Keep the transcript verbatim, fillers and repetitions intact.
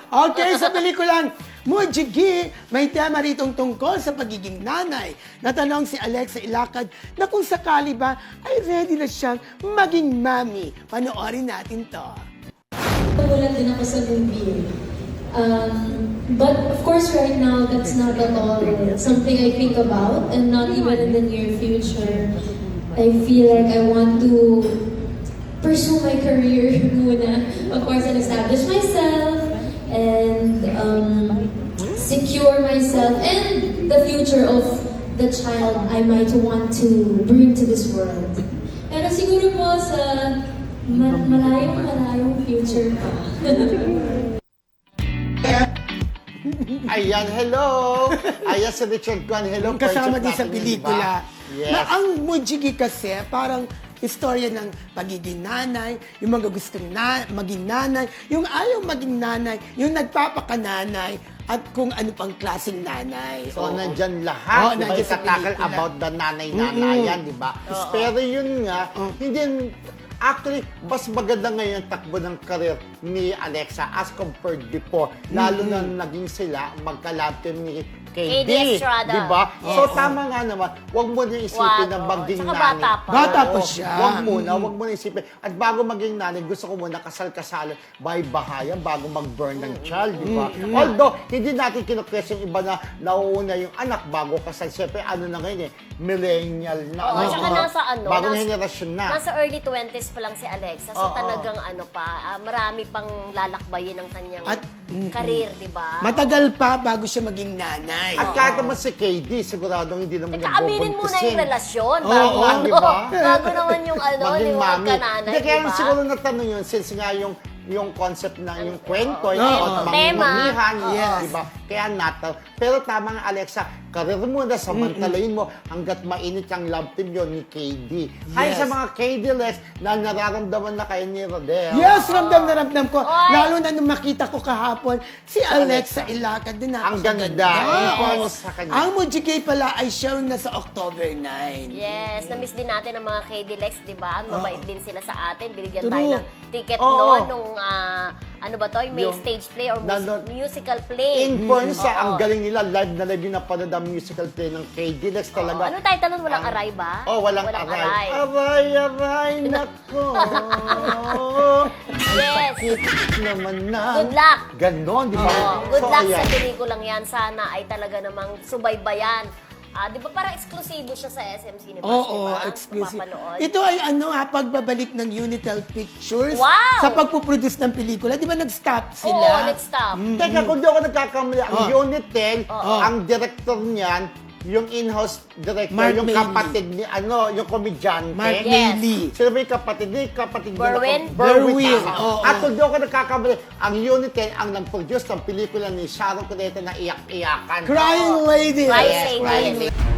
Okay, sa pelikulang Mujigi, may tema ritong tungkol sa pagiging nanay. Natanong si Alexa Ilacad na kung sakali ba ay ready na siyang maging mami. Panoorin natin to. Nagulat din ako sa movie. Um, but of course right now, that's not at all something I think about, and not even in the near future. I feel like I want to pursue my career muna, of course, and establish myself, and um, secure myself, and the future of the child I might want to bring to this world. Pero siguro po sa ma- malayong malayong future pa. Ayan, hello! Ayan si Richard Guan, hello. Kasama friendship din sa natin, pelikula. diba? Yes. Na ang Mujigi kasi, parang istorya ng pagiging nanay, yung mga gustong na, maging nanay, yung ayaw maging nanay, yung nagpapakananay, at kung ano pang klaseng nanay. So, Oo. nandyan Oo, lahat, di ba? nandyan sa Itatakal pelikula. about the nanay-nanayan, di ba? Pero yun nga, hindi, actually, mas maganda ngayon ang takbo ng karir ni Alexa as compared before. Lalo na naging sila magka-love team ni K D. K D Estrada. Di ba? Yes. So, tama nga naman, huwag mo na isipin Wag, na oo. maging Tsaka nanay. bata pa. Bata pa Oo, siya. Huwag muna, huwag mo na isipin. At bago maging nanay, gusto ko muna kasal-kasalan by bahayan bago mag-burn ng child, di ba? Although, hindi natin kinukwestiyon iba na nauuna yung anak bago kasal. Siyempre, ano na ngayon eh, millennial na. Oo, ano, tsaka mga nasa ano, Bagong nasa- henerasyon na. Nasa early twenties pa lang si Alexa. So Oo. talagang ano pa, ah, marami pang lalakbayin ng kanyang At- career, di ba? Matagal pa bago siya maging nanay. At kahit naman si K D, siguradong hindi naman Teka, aminin muna yung relasyon. Oo, Bago, oo, di ba? bago naman yung ano, Maging yung mami. magkananay, Hindi, kaya di ba? siguro natanong yun, since nga yung yung concept na yung kwento, yung Oo. mangmamihan, Yes. di ba? Kaya natal. Pero tama nga, Alexa, karir mo na, samantalayin mo hanggat mainit ang love team yun ni K D. Hi Yes. sa mga K D-less na nararamdaman na kayo ni Rodel. Yes, ramdam na ramdam ko. Oy. Lalo na nung makita ko kahapon, si Alexa Ilacad din Ang napakaganda. ganda. Oo. Yes. Sa kanya. Ang Mujigi pala ay showing na sa October ninth. Yes, na-miss din natin ang mga K D Lex, di ba? Mabait din sila sa atin. Binigyan True. tayo ng ticket Oo. noon nung, ah, ano ba to? May Yung- stage play or mus- Nandun- musical play. In fairness, Oo. ang galing nila, live na live yung napanood ang musical play ng K D-Lex Oo. talaga. Ano title nun? Walang Ang- aray ba? Oh, walang, aray. Aray, aray, nako. Yes. Sakit naman na. Good luck. Ganon, di ba? Oo, good So, luck ayan. sa pelikulang yan. Sana ay talaga namang subaybayan. Ah, di ba parang exclusive siya sa S M Cinemas, Oo, di ba? exclusive. Mapapanood. Ito ay ano ha, pagbabalik ng Unitel Pictures Wow! sa pagpuproduce ng pelikula. Di ba nag-stop Oo, sila? let's stop. Teka, kung di ako nagkakamali, ang Oh. Unitel, Oh. ang director niyan, yung in-house director, Mark yung Mayley. kapatid ni, ano, yung komedyante. Mark Yes. Mayley. Sino ba yung kapatid ni? Kapatid niya na- Berwin? Berwin, tama. oo. At kung di ako nagkakamali, ang Unitel ang nag-produce ng pelikula ni Sharon Cuneta na iyak-iyakan. Crying Lady. Crying Yes, Lady. Crying Lady.